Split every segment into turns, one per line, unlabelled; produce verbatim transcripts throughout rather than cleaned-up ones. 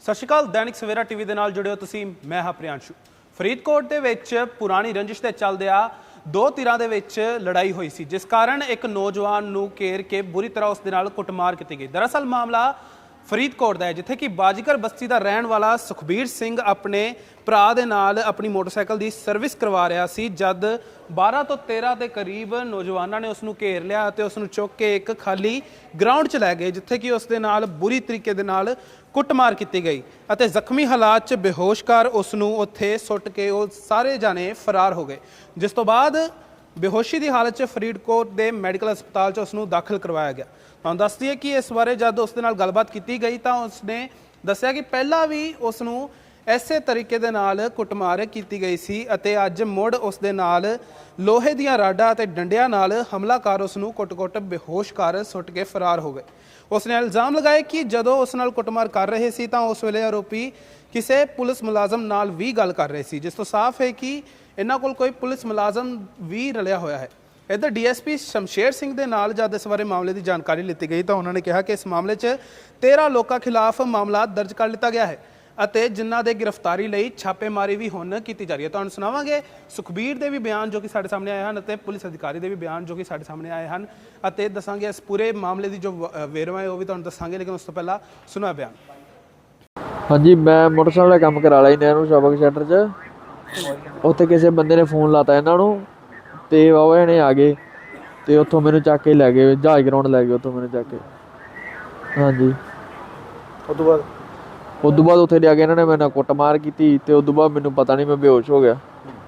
ਸਤਿ ਸ਼੍ਰੀ ਅਕਾਲ। दैनिक सवेरा टीवी ਦੇ ਨਾਲ ਜੁੜਿਓ ਤੁਸੀਂ। ਮੈਂ ਹਾਂ ਪ੍ਰਿयांशु। ਫਰੀਦਕੋਟ ਦੇ ਵਿੱਚ ਪੁਰਾਣੀ ਰੰਜਿਸ਼ ਦੇ ਚੱਲਦਿਆਂ ਦੋ ਧਿਰਾਂ ਦੇ ਵਿੱਚ ਲੜਾਈ ਹੋਈ ਸੀ, ਜਿਸ ਕਾਰਨ ਇੱਕ ਨੌਜਵਾਨ ਨੂੰ ਘੇਰ ਕੇ ਬੁਰੀ ਤਰ੍ਹਾਂ ਉਸ ਦੇ ਨਾਲ ਕੁੱਟਮਾਰ ਕੀਤੀ ਗਈ। ਦਰਅਸਲ ਮਾਮਲਾ ਫਰੀਦਕੋਟ ਦਾ ਹੈ, ਜਿੱਥੇ ਕਿ ਬਾਜੀਗਰ ਬਸਤੀ ਦਾ ਰਹਿਣ ਵਾਲਾ ਸੁਖਬੀਰ ਸਿੰਘ ਆਪਣੇ ਭਰਾ ਦੇ ਨਾਲ ਆਪਣੀ ਮੋਟਰਸਾਈਕਲ ਦੀ ਸਰਵਿਸ ਕਰਵਾ ਰਿਹਾ ਸੀ, ਜਦ ਬਾਰਾਂ ਤੋਂ ਤੇਰਾਂ ਦੇ ਕਰੀਬ ਨੌਜਵਾਨਾਂ ਨੇ ਉਸ ਨੂੰ ਘੇਰ ਲਿਆ ਅਤੇ ਉਸ ਨੂੰ ਚੁੱਕ ਕੇ ਇੱਕ ਖਾਲੀ ਗਰਾਊਂਡ 'ਚ ਲੈ ਗਏ, ਜਿੱਥੇ ਕਿ ਉਸ ਦੇ ਨਾਲ ਬੁਰੀ ਤਰੀਕੇ ਦੇ ਨਾਲ ਕੁੱਟਮਾਰ ਕੀਤੀ ਗਈ ਅਤੇ ਜ਼ਖਮੀ ਹਾਲਾਤ 'ਚ ਬੇਹੋਸ਼ ਕਰ ਉਸ ਨੂੰ ਉੱਥੇ ਸੁੱਟ ਕੇ ਉਹ ਸਾਰੇ ਜਾਣੇ ਫਰਾਰ ਹੋ ਗਏ, ਜਿਸ ਤੋਂ ਬਾਅਦ ਬੇਹੋਸ਼ੀ ਦੀ ਹਾਲਤ 'ਚ ਫਰੀਦਕੋਟ ਦੇ ਮੈਡੀਕਲ ਹਸਪਤਾਲ 'ਚ ਉਸ ਨੂੰ ਦਾਖਲ ਕਰਵਾਇਆ ਗਿਆ। ਤੁਹਾਨੂੰ ਦੱਸ ਦਈਏ ਕਿ ਇਸ ਬਾਰੇ ਜਦ ਉਸ ਦੇ ਨਾਲ ਗੱਲਬਾਤ ਕੀਤੀ ਗਈ ਤਾਂ ਉਸਨੇ ਦੱਸਿਆ ਕਿ ਪਹਿਲਾਂ ਵੀ ਉਸ ਨੂੰ ਇਸੇ ਤਰੀਕੇ ਦੇ ਨਾਲ ਕੁੱਟਮਾਰ ਕੀਤੀ ਗਈ ਸੀ ਅਤੇ ਅੱਜ ਮੁੜ ਉਸ ਦੇ ਨਾਲ ਲੋਹੇ ਦੀਆਂ ਰਾਡਾਂ ਅਤੇ ਡੰਡਿਆਂ ਨਾਲ ਹਮਲਾ ਕਰ ਉਸ ਨੂੰ ਕੁੱਟ-ਕੁੱਟ ਬੇਹੋਸ਼ ਕਰ ਸੁੱਟ ਕੇ ਫਰਾਰ ਹੋ ਗਏ। ਉਸ ਨੇ ਇਲਜ਼ਾਮ ਲਗਾਏ ਕਿ ਜਦੋਂ ਉਸ ਨਾਲ ਕੁੱਟਮਾਰ ਕਰ ਰਹੇ ਸੀ ਤਾਂ ਉਸ ਵੇਲੇ ਆਰੋਪੀ ਕਿਸੇ ਪੁਲਿਸ ਮੁਲਾਜ਼ਮ ਨਾਲ ਵੀ ਗੱਲ ਕਰ ਰਹੇ ਸੀ, ਜਿਸ ਤੋਂ ਸਾਫ਼ ਹੈ ਕਿ ਇਹਨਾਂ ਕੋਲ ਕੋਈ ਪੁਲਿਸ ਮੁਲਾਜ਼ਮ ਵੀ ਰਲਿਆ ਹੋਇਆ ਹੈ। ਇੱਧਰ D S P Shamsher Singh ਦੇ ਨਾਲ ਜਦ ਇਸ ਬਾਰੇ ਮਾਮਲੇ ਦੀ ਜਾਣਕਾਰੀ ਲਿੱਤੀ ਗਈ ਤਾਂ ਉਹਨਾਂ ਨੇ ਕਿਹਾ ਕਿ ਇਸ ਮਾਮਲੇ 'ਚ ਤੇਰਾਂ ਲੋਕਾਂ ਖਿਲਾਫ ਮਾਮਲਾ ਦਰਜ ਕਰ ਲਿੱਤਾ ਗਿਆ ਹੈ ਅਤੇ ਜਿਨ੍ਹਾਂ ਦੇ ਗ੍ਰਿਫਤਾਰੀ ਲਈ ਛਾਪੇਮਾਰੀ ਵੀ ਹੁਣ ਕੀਤੀ ਜਾ ਰਹੀ ਹੈ। ਤੁਹਾਨੂੰ ਸੁਣਾਵਾਂਗੇ ਸੁਖਬੀਰ ਦੇ ਵੀ ਬਿਆਨ ਜੋ ਕਿ ਸਾਡੇ ਸਾਹਮਣੇ ਆਏ ਹਨ ਅਤੇ ਪੁਲਿਸ ਅਧਿਕਾਰੀ ਦੇ ਵੀ ਬਿਆਨ ਜੋ ਕਿ ਸਾਡੇ ਸਾਹਮਣੇ ਆਏ ਹਨ ਅਤੇ ਦੱਸਾਂਗੇ ਇਸ ਪੂਰੇ ਮਾਮਲੇ ਦੀ ਜੋ ਵੇਰਵਾ ਹੈ ਉਹ ਵੀ ਤੁਹਾਨੂੰ ਦੱਸਾਂਗੇ, ਲੇਕਿਨ ਉਸ ਤੋਂ ਪਹਿਲਾਂ ਸੁਣਾ ਬਿਆਨ।
ਹਾਂਜੀ, ਮੈਂ ਮੋਟਰਸਾਈਕਲ ਦਾ ਕੰਮ ਕਰਾ ਲਿਆ ਨਹਿਰੂ ਸ਼ਾਪਿੰਗ ਸੈਂਟਰ 'ਚ। ਉੱਥੇ ਕਿਸੇ ਬੰਦੇ ਨੇ ਫੋਨ ਲਾਤਾ ਇਹਨਾਂ ਨੂੰ ਅਤੇ ਬਾਬਾ ਜਣੇ ਆ ਗਏ ਅਤੇ ਉੱਥੋਂ ਮੈਨੂੰ ਚੱਕ ਕੇ ਲੈ ਗਏ, ਜਹਾਜ਼ ਗਰਾਊਂਡ ਲੈ ਗਏ ਉੱਥੋਂ ਮੈਨੂੰ ਚੱਕ ਕੇ। ਹਾਂਜੀ,
ਉਸ ਤੋਂ ਬਾਅਦ
ਉਸ ਤੋਂ ਬਾਅਦ ਉੱਥੇ ਲਿਆ ਕੇ ਇਹਨਾਂ ਨੇ ਮੇਰੇ ਨਾਲ ਕੁੱਟਮਾਰ ਕੀਤੀ ਅਤੇ ਉਸ ਤੋਂ ਬਾਅਦ ਮੈਨੂੰ ਪਤਾ ਨਹੀਂ, ਮੈਂ ਬੇਹੋਸ਼ ਹੋ ਗਿਆ।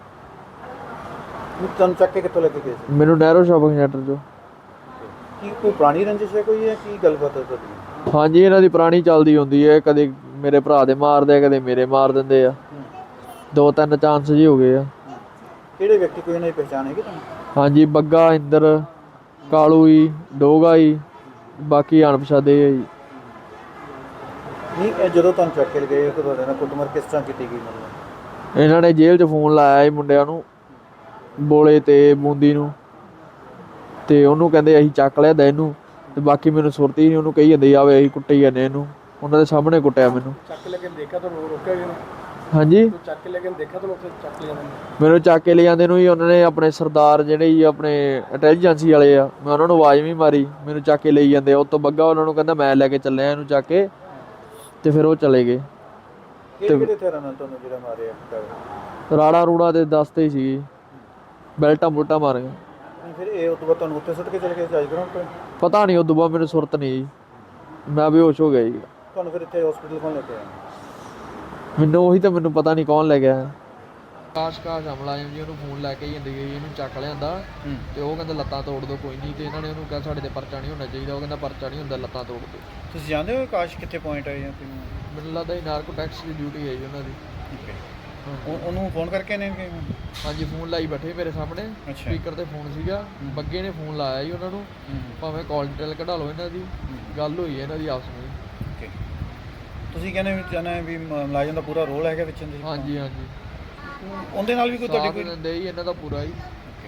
ਤੁਹਾਨੂੰ ਚੱਕ ਕੇ ਕਿੱਥੋਂ ਲੈ ਕੇ ਗਏ ਸੀ?
ਮੈਨੂੰ ਨਹਿਰੂ ਸ਼ਾਪਿੰਗ ਸੈਂਟਰ 'ਚੋਂ।
ਕੀ ਕੋਈ ਪੁਰਾਣੀ ਰੰਜਿਸ਼ ਹੈ ਕੋਈ, ਹੈ ਕੀ ਗੱਲਬਾਤ ਹੈ ਤੁਹਾਡੀ?
ਹਾਂਜੀ, ਇਹਨਾਂ ਦੀ ਪੁਰਾਣੀ ਚੱਲਦੀ ਹੁੰਦੀ ਹੈ, ਕਦੇ ਮੇਰੇ ਭਰਾ ਦੇ ਮਾਰਦੇ ਆ, ਕਦੇ ਮੇਰੇ ਮਾਰ ਦਿੰਦੇ ਆ। ਦੋ ਤਿੰਨ ਚਾਂਸ ਜੀ ਹੋ ਗਏ ਆ।
ਕਿਹੜੇ ਵਿਅਕਤੀ, ਕੋਈ ਇਹਨਾਂ ਦੀ ਪਹਿਚਾਣ ਹੈਗੀ ਤੁਹਾਨੂੰ?
ਹਾਂਜੀ, ਬੱਗਾ, ਇੰਦਰ, ਕਾਲੂ ਜੀ, ਡੋਗਾ ਜੀ, ਬਾਕੀ ਅਣਪਛਾਤੇ ਆ ਜੀ।
ਨਹੀਂ, ਇਹ ਜਦੋਂ ਤੁਹਾਨੂੰ ਚੱਕ ਕੇ ਗਏ ਤਾਂ ਤੁਹਾਡੇ ਨਾਲ ਕੁੱਟਮਾਰ ਕਿਸ ਤਰ੍ਹਾਂ ਕੀਤੀ ਗਈ? ਮਤਲਬ
ਇਹਨਾਂ ਨੇ ਜੇਲ੍ਹ 'ਚ ਫੋਨ ਲਾਇਆ ਸੀ ਮੁੰਡਿਆਂ ਨੂੰ, ਬੋਲੇ ਅਤੇ ਬੂੰਦੀ ਨੂੰ, ਅਤੇ ਉਹਨੂੰ ਕਹਿੰਦੇ ਅਸੀਂ ਚੱਕ ਲਿਆ ਦਾ ਇਹਨੂੰ, ਅਤੇ ਬਾਕੀ ਮੈਨੂੰ ਸੁਰਤੀ ਨਹੀਂ, ਉਹਨੂੰ ਕਹੀ ਜਾਂਦੇ ਆਵੇ ਅਸੀਂ ਕੁੱਟੀ ਜਾਂਦੇ ਇਹਨੂੰ। ਉਹਨਾਂ ਦੇ ਸਾਹਮਣੇ ਕੁੱਟਿਆ ਮੈਨੂੰ।
ਚੱਕ ਲੈ ਕੇ ਦੇਖਿਆ ਤੁਹਾਨੂੰ ਰੋਕਿਆ ਗਿਆ?
ਹਾਂਜੀ,
ਚੱਕ ਕੇ ਲੈ ਕੇ ਦੇਖਿਆ ਤੁਹਾਨੂੰ ਉੱਥੇ ਚੱਕ ਲਿਆ?
ਮੈਨੂੰ ਚੱਕ ਕੇ ਲੈ ਜਾਂਦੇ ਨੂੰ ਹੀ ਉਹਨਾਂ ਨੇ ਆਪਣੇ ਸਰਦਾਰ ਜਿਹੜੇ ਜੀ ਆਪਣੇ ਇੰਟੈਲੀਜੈਂਸੀ ਵਾਲੇ ਆ, ਮੈਂ ਉਹਨਾਂ ਨੂੰ ਆਵਾਜ਼ ਵੀ ਮਾਰੀ, ਮੈਨੂੰ ਚੱਕ ਕੇ ਲਈ ਜਾਂਦੇ। ਉਹ ਤੋਂ ਬੱਗਾ ਉਹਨਾਂ ਨੂੰ ਕਹਿੰਦਾ ਮੈਂ ਲੈ ਕੇ ਚੱਲਿਆ ਇਹਨੂੰ ਚੱਕ ਕੇ, ਅਤੇ ਫਿਰ ਉਹ ਚਲੇ ਗਏ।
ਕਿਹੜੇ ਹਥਿਆਰਾਂ ਨਾਲ ਤੁਹਾਨੂੰ ਜਿਹੜਾ ਮਾਰਿਆ?
ਰਾੜਾ ਰੂੜਾ ਦੇ ਦੱਸਦੇ ਹੀ ਸੀ, ਬੈਲਟਾਂ ਬੁਲਟਾਂ ਮਾਰ ਗਏ।
ਫਿਰ ਇਹ ਉਸ ਤੋਂ ਬਾਅਦ ਤੁਹਾਨੂੰ ਉੱਥੇ ਸੁੱਟ ਕੇ ਚਲੇ ਗਏ ਜਹਾਜ਼ ਗਰਾਊਂਡ ਤੋਂ?
ਪਤਾ ਨਹੀਂ, ਉਸ ਤੋਂ ਬਾਅਦ ਮੈਨੂੰ ਸੁਰਤ ਨਹੀਂ ਜੀ, ਮੈਂ ਬੇਹੋਸ਼ ਹੋ ਗਿਆ ਜੀ।
ਤੁਹਾਨੂੰ ਫਿਰ ਇੱਥੇ ਹਸਪੀਟਲ ਕੌਣ ਲੈ ਕੇ ਆਇਆ?
ਮੈਨੂੰ ਉਹੀ ਤਾਂ ਮੈਨੂੰ ਪਤਾ ਨਹੀਂ ਕੌਣ ਲੈ ਗਿਆ। ਕਾਸ਼ ਕਾਸ਼ ਮੁਲਾਜ਼ਮ ਜੀ ਉਹਨੂੰ ਫੋਨ ਲੈ ਕੇ ਜਾਂਦੇ ਗਏ, ਇਹਨੂੰ ਚੱਕ ਲਿਆਂਦਾ ਅਤੇ ਉਹ ਕਹਿੰਦਾ ਲੱਤਾਂ ਤੋੜ ਦਿਓ ਕੋਈ ਨਹੀਂ, ਅਤੇ ਇਹਨਾਂ ਨੇ ਉਹਨੂੰ ਕਿਹਾ ਸਾਡੇ 'ਤੇ ਪਰਚਾ ਨਹੀਂ ਹੋਣਾ ਚਾਹੀਦਾ। ਉਹ ਕਹਿੰਦਾ ਪਰਚਾ ਨਹੀਂ ਹੁੰਦਾ, ਲੱਤਾਂ ਤੋੜ ਦਿਓ।
ਤੁਸੀਂ ਜਾਣਦੇ ਹੋ ਕਾਸ਼ ਕਿੱਥੇ ਪੁਆਇੰਟ ਆਏ ਜਾਂ
ਮੈਨੂੰ ਲੱਗਦਾ ਜੀ ਨਾਰਕੋ ਟੈਕਸ ਦੀ ਡਿਊਟੀ ਹੈ ਜੀ ਉਹਨਾਂ ਦੀ।
ਠੀਕ ਹੈ, ਉਹਨੂੰ ਫੋਨ ਕਰਕੇ ਨੇ?
ਹਾਂਜੀ, ਫੋਨ ਲਾਈ ਬੈਠੇ ਮੇਰੇ ਸਾਹਮਣੇ, ਸਪੀਕਰ 'ਤੇ ਫੋਨ ਸੀਗਾ। ਬੱਗੇ ਨੇ ਫੋਨ ਲਾਇਆ ਜੀ ਉਹਨਾਂ ਨੂੰ, ਭਾਵੇਂ ਕਾਲ ਡਿਟੇਲ ਕਢਾ ਲਓ ਇਹਨਾਂ ਦੀ, ਗੱਲ ਹੋਈ ਹੈ ਇਹਨਾਂ ਦੀ ਆਪਸ ਵਿੱਚ। ਤੁਸੀਂ ਕਹਿੰਦੇ ਵੀ ਚਾਹੁੰਦੇ ਵੀ ਮੁਲਾਜ਼ਮ ਦਾ ਪੂਰਾ ਰੋਲ ਹੈਗਾ ਵਿੱਚ? ਹਾਂਜੀ ਹਾਂਜੀ,
ਉਹਦੇ ਨਾਲ ਵੀ ਕੋਈ ਤੁਹਾਡੀ ਕੋਈ
ਦਿੰਦੇ ਜੀ ਇਹਨਾਂ ਦਾ ਪੂਰਾ ਹੀ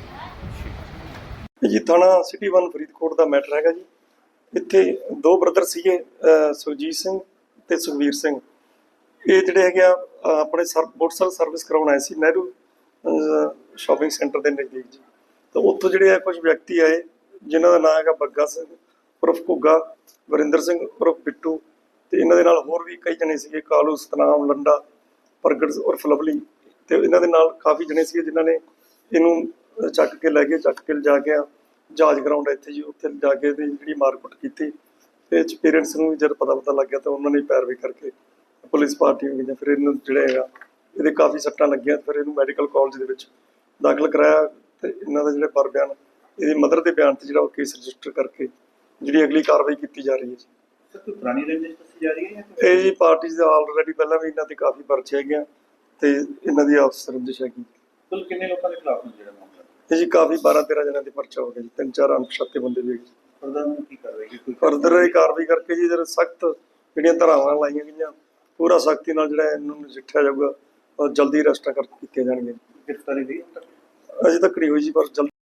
ਜੀ। ਥਾਣਾ ਸਿਟੀ ਵਨ ਫਰੀਦਕੋਟ ਦਾ ਮੈਟਰ ਹੈਗਾ ਜੀ। ਇੱਥੇ ਦੋ ਬ੍ਰਦਰ ਸੀਗੇ, ਸੁਰਜੀਤ ਸਿੰਘ ਤੇ ਸੁਖਵੀਰ ਸਿੰਘ। ਇਹ ਜਿਹੜੇ ਹੈਗੇ ਆ ਆਪਣੇ ਸਰ ਮੋਟਰਸਾਈਕਲ ਸਰਵਿਸ ਕਰਾਉਣ ਆਏ ਸੀ ਨਹਿਰੂ ਸ਼ਾਪਿੰਗ ਸੈਂਟਰ ਦੇ ਨਜ਼ਦੀਕ ਜੀ। ਤਾਂ ਉੱਥੋਂ ਜਿਹੜੇ ਆ ਕੁਝ ਵਿਅਕਤੀ ਆਏ ਜਿਨ੍ਹਾਂ ਦਾ ਨਾਮ ਹੈਗਾ ਬੱਗਾ ਸਿੰਘ ਉਰਫ ਘੁੱਗਾ, ਵਰਿੰਦਰ ਸਿੰਘ ਉਰਫ ਬਿੱਟੂ, ਅਤੇ ਇਹਨਾਂ ਦੇ ਨਾਲ ਹੋਰ ਵੀ ਕਈ ਜਣੇ ਸੀਗੇ, ਕਾਲੂ, ਸਤਨਾਮ, ਲੰਡਾ, ਪ੍ਰਗਟ ਉਰਫ ਲਵਲੀ, ਅਤੇ ਇਹਨਾਂ ਦੇ ਨਾਲ ਕਾਫੀ ਜਣੇ ਸੀਗੇ ਜਿਨ੍ਹਾਂ ਨੇ ਇਹਨੂੰ ਚੱਕ ਕੇ ਲੈ ਗਏ। ਚੱਕ ਕੇ ਲਿਜਾ ਕੇ ਜਹਾਜ਼ ਗਰਾਊਂਡ ਇੱਥੇ ਜੀ, ਉੱਥੇ ਲਿਜਾ ਕੇ ਇਹਦੀ ਜਿਹੜੀ ਮਾਰਕੁੱਟ ਕੀਤੀ। ਇਹ 'ਚ ਪੇਰੈਂਟਸ ਨੂੰ ਵੀ ਜਦ ਪਤਾ ਪਤਾ ਲੱਗ ਗਿਆ ਤਾਂ ਉਹਨਾਂ ਨੇ ਪੈਰਵੀ ਕਰਕੇ ਪੁਲਿਸ ਪਾਰਟੀਆਂ ਗਈਆਂ। ਫਿਰ ਇਹਨੂੰ ਜਿਹੜਾ ਹੈਗਾ ਇਹਦੇ ਕਾਫੀ ਸੱਟਾਂ ਲੱਗੀਆਂ, ਫਿਰ ਇਹਨੂੰ ਮੈਡੀਕਲ ਕਾਲਜ ਦੇ ਵਿੱਚ ਦਾਖਲ ਕਰਾਇਆ ਅਤੇ ਇਹਨਾਂ ਦਾ ਜਿਹੜਾ ਪਰ ਬਿਆਨ, ਇਹਦੀ ਮਦਰ ਦੇ ਬਿਆਨ 'ਤੇ ਜਿਹੜਾ ਉਹ ਕੇਸ ਰਜਿਸਟਰ ਕਰਕੇ ਜਿਹੜੀ ਅਗਲੀ ਕਾਰਵਾਈ ਕੀਤੀ ਜਾ ਰਹੀ ਹੈ ਜੀ।
ਕੋਈ ਪੁਰਾਣੀ ਰੰਜਿਸ਼ ਦੱਸੀ ਜਾ ਰਹੀ ਹੈ?
ਇਹ ਜੀ ਪਾਰਟੀਜ਼ ਦਾ ਆਲਰੇਡੀ ਪਹਿਲਾਂ ਵੀ ਇਹਨਾਂ ਦੇ ਕਾਫੀ ਪਰਚੇ ਹੈਗੇ ਅਤੇ ਇਹਨਾਂ ਦੀ ਆਪਸ ਰੰਜਿਸ਼ ਹੈਗੀ।
ਕੁੱਲ ਕਿੰਨੇ ਲੋਕਾਂ ਦੇ ਖਿਲਾਫ ਜਿਹੜਾ ਮਾਮਲਾ?
ਇਹ ਜੀ ਕਾਫੀ ਬਾਰਾਂ ਤੇਰਾਂ ਜਣਿਆਂ ਦੇ ਪਰਚਾ ਹੋ ਗਿਆ ਜੀ, ਤਿੰਨ ਚਾਰ ਅਣਪਛਾਤੇ ਬੰਦੇ ਵੀ ਹੈਗੇ।
ਫਰਦਰ ਨੂੰ ਕੀ ਕਾਰਵਾਈ?
ਫਰਦਰ ਇਹ ਕਾਰਵਾਈ ਕਰਕੇ ਜੀ ਜਿਹੜੇ ਸਖਤ ਜਿਹੜੀਆਂ ਧਾਰਾਵਾਂ ਲਾਈਆਂ ਗਈਆਂ ਪੂਰਾ ਸਖਤੀ ਨਾਲ ਜਿਹੜਾ ਇਹਨੂੰ ਨਜਿੱਠਿਆ ਜਾਊਗਾ ਔਰ ਜਲਦੀ ਅਰੈਸਟਾਂ ਕਰ ਕੀਤੀਆਂ ਜਾਣਗੀਆਂ।
ਗ੍ਰਿਫਤਾਰੀ ਦੀ
ਅਜੇ ਤੱਕ ਨਹੀਂ ਹੋਈ ਜੀ, ਪਰ ਜਲਦੀ